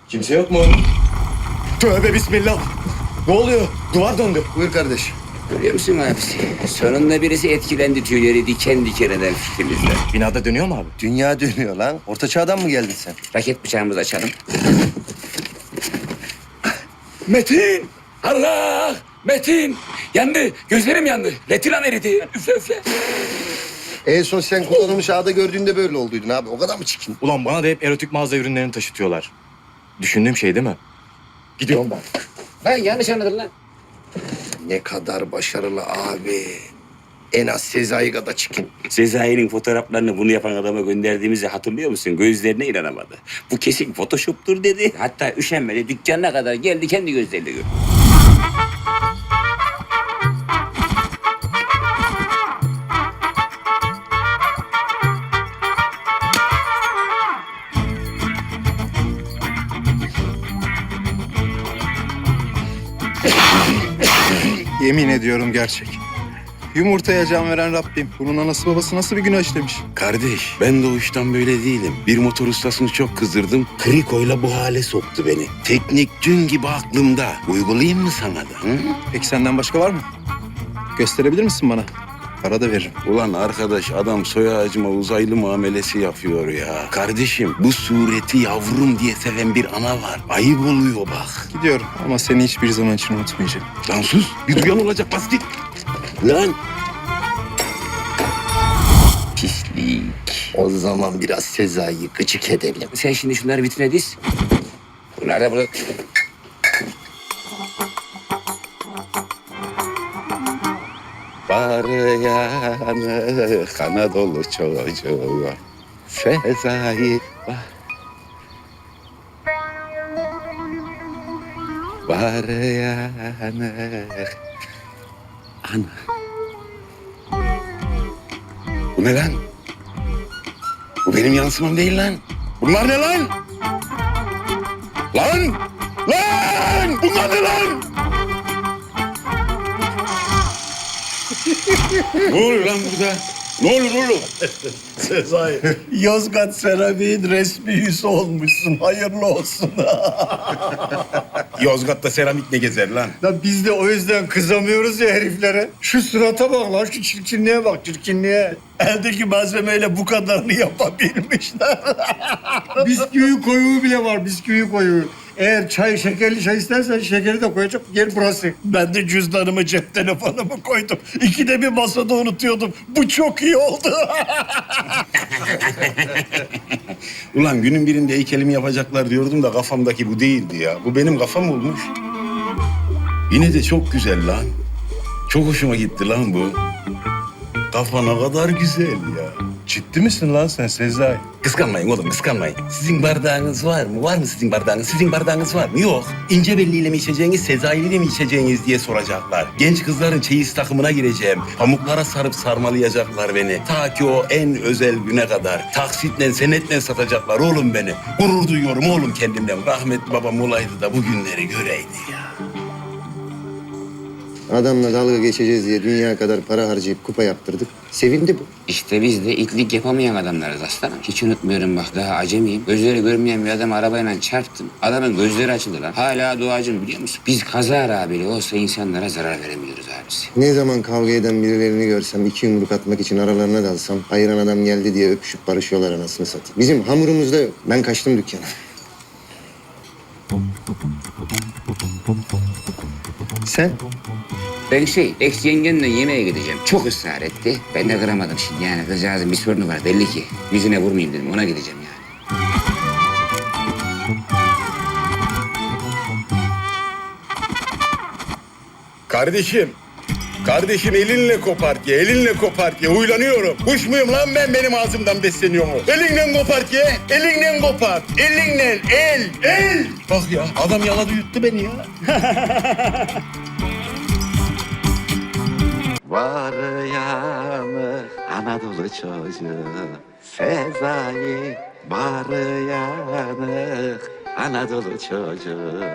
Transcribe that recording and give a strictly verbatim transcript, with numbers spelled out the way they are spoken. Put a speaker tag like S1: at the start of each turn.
S1: Kimse yok mu? Tövbe bismillah. Ne oluyor? Duvar döndü.
S2: Buyur kardeş.
S3: Görüyor musun abisi? Sonunda birisi etkilendi, tüyleri diken diken eder fikrimizle.
S1: Binada dönüyor mu abi?
S2: Dünya dönüyor lan. Orta çağdan mı geldin sen?
S3: Raket bıçağımızı açalım.
S4: Metin! Allah! Metin! Yandı. Gözlerim yandı. Retinam eridi. Üfle üfle.
S2: En son sen kullanılmış ağda gördüğünde böyle olduydun abi. O kadar mı çirkin?
S1: Ulan bana da hep erotik mağaza ürünlerini taşıtıyorlar. Düşündüğüm şey değil mi? Gidiyorum ben.
S3: Lan yanlış anladın lan.
S2: Ne kadar başarılı abi. En az Sezai kadar çirkin.
S3: Sezai'nin fotoğraflarını bunu yapan adama gönderdiğimizi hatırlıyor musun? Gözlerine inanamadı. Bu kesin Photoshop'tur dedi. Hatta üşenmedi. Dükkanına kadar geldi, kendi gözleriyle gördü.
S5: Yemin ediyorum gerçek. Yumurtaya can veren Rabbim. Bunun anası babası nasıl bir günah işlemiş?
S6: Kardeş, ben doğuştan böyle değilim. Bir motor ustasını çok kızdırdım. Krikoyla bu hale soktu beni. Teknik dün gibi aklımda. Uygulayayım mı sana da? Hı?
S5: Peki senden başka var mı? Gösterebilir misin bana? Para da veririm.
S6: Ulan arkadaş, adam soy ağacıma uzaylı muamelesi yapıyor ya. Kardeşim, bu sureti yavrum diye seven bir ana var. Ayıp oluyor bak.
S5: Gidiyorum ama seni hiçbir zaman için unutmayacağım.
S6: Lan sus, bir duyan olacak, bas git. Lan.
S3: Pislik.
S2: O zaman biraz Sezai'yi gıcık edelim.
S3: Sen şimdi şunları vitrine diz. Bunlar da burada.
S6: Var yanı Anadolu çocuğu Sezai var. Var yanı Ana. Bu ne lan? Bu benim yansımam değil lan. Bunlar ne lan? Lan! Lan! Bunlar ne lan? Ne oluyor lan burada? Ne olur oğlum?
S7: Sezai, Yozgat Seramik'in resmi yüzü olmuşsun. Hayırlı olsun.
S6: Yozgat'ta seramik ne gezer lan?
S7: Ya biz de o yüzden kızamıyoruz ya heriflere. Şu surata bak lan, şu çirkinliğe bak, çirkinliğe. Eldeki malzemeyle bu kadarını yapabilmişler. Bisküvi koyuğu bile var, bisküvi koyuğu. Eğer çay, şekerli çay istersen şekeri de koyacak. Yer burası. Ben de cüzdanımı, cep telefonumu koydum. İkide bir masada unutuyordum. Bu çok iyi oldu.
S6: Ulan günün birinde heykelimi yapacaklar diyordum da kafamdaki bu değildi ya. Bu benim kafam olmuş. Yine de çok güzel lan. Çok hoşuma gitti lan bu. Kafa ne kadar güzel ya.
S7: Ciddi misin lan sen Sezai?
S6: Kıskanmayın oğlum, kıskanmayın. Sizin bardağınız var mı? Var mı sizin bardağınız? Sizin bardağınız var mı? Yok. İnce belliyle mi içeceğiniz, Sezai'yle mi içeceğiniz diye soracaklar. Genç kızların çeyiz takımına gireceğim. Pamuklara sarıp sarmalayacaklar beni. Ta ki o en özel güne kadar. Taksitle, senetle satacaklar oğlum beni. Gurur duyuyorum oğlum kendimden. Rahmetli babam olaydı da bu günleri göreydi ya.
S2: Adamla dalga geçeceğiz diye dünya kadar para harcayıp kupa yaptırdık. Sevindi bu.
S3: İşte biz de itlik yapamayan adamlarız aslanım. Hiç unutmuyorum bak, daha acemiyim. Gözleri görmeyen bir adam arabayla çarptım. Adamın gözleri açıldı lan. Hala duacım biliyor musun? Biz kazara bile olsa insanlara zarar veremiyoruz abisi.
S2: Ne zaman kavga eden birilerini görsem, iki yumruk atmak için aralarına dalsam, ayıran adam geldi diye öpüşüp barışıyorlar anasını satayım. Bizim hamurumuzda yok. Ben kaçtım dükkana. Sen?
S3: Ben şey, ex yengenle yemeğe gideceğim. Çok ısrar etti. Ben de kıramadım şimdi yani. Kızcağızın bir sorunu var belli ki. Yüzüne vurmayayım dedim, ona gideceğim yani.
S6: Kardeşim, kardeşim elinle kopart ye, elinle kopart ye. Huylanıyorum. Kuş muyum lan ben, benim ağzımdan besleniyor mu? Elinle kopart ye, elinle kopart. Elinle, el, el. Bak ya, adam yaladı yuttu beni ya. Var yanı Anadolu çocuğu Sezai, var yanı Anadolu çocuğu.